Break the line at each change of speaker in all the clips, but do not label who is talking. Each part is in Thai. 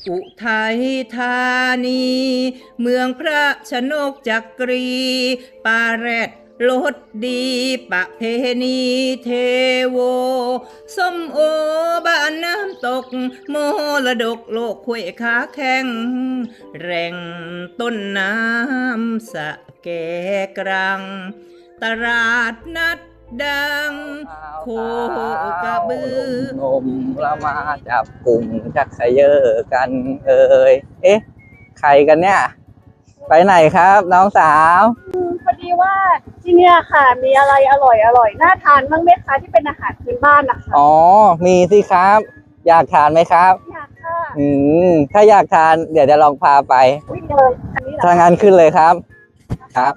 อุทัยธานีเมืองพระชนกจักรีปาแรดรสดีประเพณีเทโวส้มโอบ้านน้ำตกโมระดกโลกขวยขาแข้งแรงต้นน้ำสะแกกรังตลาดนัดดังโคกระบือน
มเรามาจับกลุ่มชักเขยอกันเอ๊ะใครกันเนี่ยไปไหนครับน้องสาว
พอดีว่าที่เนี่ยค่ะมีอะไรอร่อยน่าทานบ้างไหมคะที่เป็นอาหารพื้นบ้านนะคะ
อ๋อมีสิครับอยากทานไหมครับ
อยากค่ะ
ถ้าอยากทานเดี๋ยวจะลองพาไป
วิ่งเลยอันนี้เหรอ
ถ้างั้นขึ้นเลยครับครับ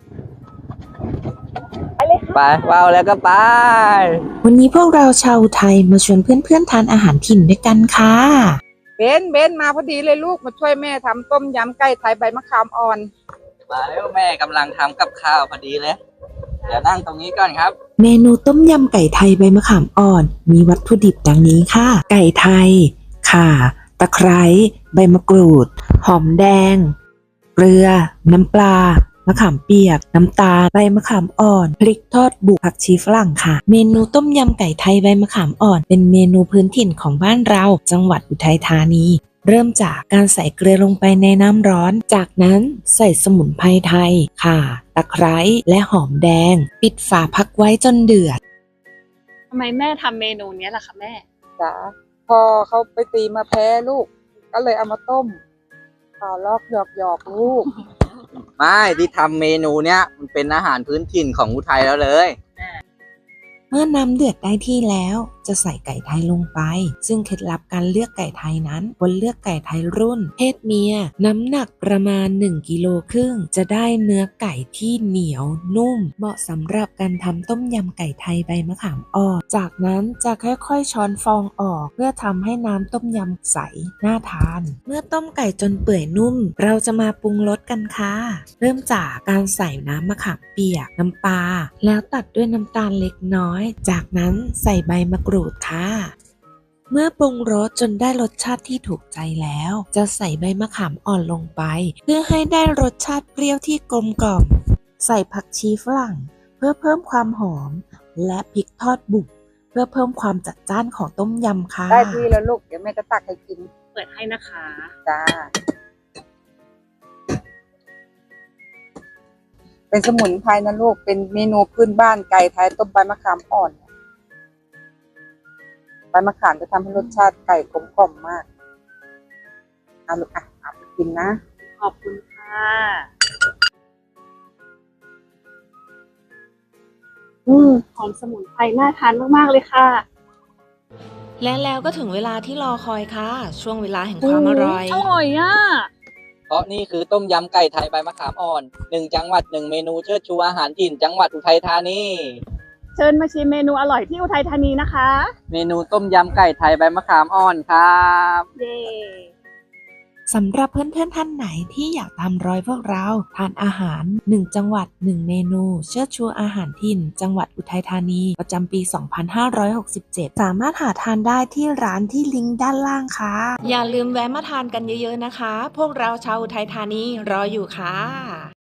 ไปเลยค่ะ
ไปว้าวแล้วก็ไป
วันนี้พวกเราชาวไทยมาชวนเพื่อนๆทานอาหารถิ่นด้วยกันค่ะ
เบนมาพอดีเลยลูกมาช่วยแม่ทำต้มยำไก่ไทยใบมะขามอ่อน
มาแล้วแม่กำลังทำกับข้าวพอดีเลยเดี๋ยวนั่งตรงนี้ก่อนครับ
เมนูต้มยำไก่ไทยใบมะขามอ่อนมีวัตถุดิบดังนี้ค่ะไก่ไทยข่าตะไคร้ใบมะกรูดหอมแดงเกลือน้ำปลามะขามเปียกน้ำตาลใบมะขามอ่อนพริกทอดบุกผักชีฝรั่งค่ะเมนูต้มยำไก่ไทยใบมะขามอ่อนเป็นเมนูพื้นถิ่นของบ้านเราจังหวัดอุทัยธานีเริ่มจากการใส่เกลือลงไปในน้ำร้อนจากนั้นใส่สมุนไพรไทยข่าตะไคร้และหอมแดงปิดฝาพักไว้จนเดือด
ทำไมแม่ทำเมนูนี้ล่ะคะแม่
จ้าพอเขาไปตีมาแพ้ลูกก็เลยเอามาต้มต่อลอกหยอกลูก
ไม่ที่ทำเมนูเนี้ยมันเป็นอาหารพื้นถิ่นของอุทัยแล้วเลย
เมื่อน้ำเดือดได้ที่แล้วจะใส่ไก่ไทยลงไปซึ่งเคล็ดลับการเลือกไก่ไทยนั้นควรเลือกไก่ไทยรุ่นเพศเมียน้ำหนักประมาณ1 กิโลครึ่งจะได้เนื้อไก่ที่เหนียวนุ่มเหมาะสำหรับการทำต้มยำไก่ไทยใบมะขามอ่อนจากนั้นจะค่อยๆช้อนฟองออกเพื่อทำให้น้ำต้มยำใสน่าทานเมื่อต้มไก่จนเปื่อยนุ่มเราจะมาปรุงรสกันค่ะเริ่มจากการใส่น้ำมะขามเปียกน้ำปลาแล้วตัดด้วยน้ำตาลเล็กน้อยจากนั้นใส่ใบมะกรูดค่ะเมื่อปรุงรสจนได้รสชาติที่ถูกใจแล้วจะใส่ใบมะขามอ่อนลงไปเพื่อให้ได้รสชาติเปรี้ยวที่กลมกล่อมใส่ผักชีฝรั่งเพื่อเพิ่มความหอมและพริกทอดบุกเพื่อเพิ่มความจัดจ้านของต้มยำค่ะ
ได้ที่แล้วลูกเดี๋ยวแม่จะตักให้กิน
เปิดให้นะคะ
จ้าเป็นสมุนไพรนะลูกเป็นเมนูพื้นบ้านไก่ไทยต้มใบมะขามอ่อนใบมะขามจะทำให้รสชาติไก่กลมกล่อมมากเอาลูกเอาไปกินนะ
ขอบคุณค่ะหอมสมุนไพรน่าทานมากๆเลยค่ะ
และแล้วก็ถึงเวลาที่รอคอยค่ะช่วงเวลาแห่งความอร่อย
อร่อยอ่ะ
เพราะนี่คือต้มยำไก่ไทยใบมะขามอ่อน1 จังหวัด1 เมนูเชิดชูอาหารถิ่นจังหวัดอุทัยธานี
เชิญมาชิมเมนูอร่อยที่อุทัยธานีนะคะ
เมนูต้มยำไก่ไทยใบมะขามอ่อนครับ
เย้
สำหรับเพื่อนๆท่านไหนที่อยากตามรอยพวกเราทานอาหาร1 จังหวัด1 เมนูเชิดชูอาหารถิ่นจังหวัดอุทัยธานีประจำปี 2567 สามารถหาทานได้ที่ร้านที่ลิงก์ด้านล่างค่ะอย่าลืมแวะมาทานกันเยอะๆนะคะพวกเราชาวอุทัยธานีรออยู่ค่ะ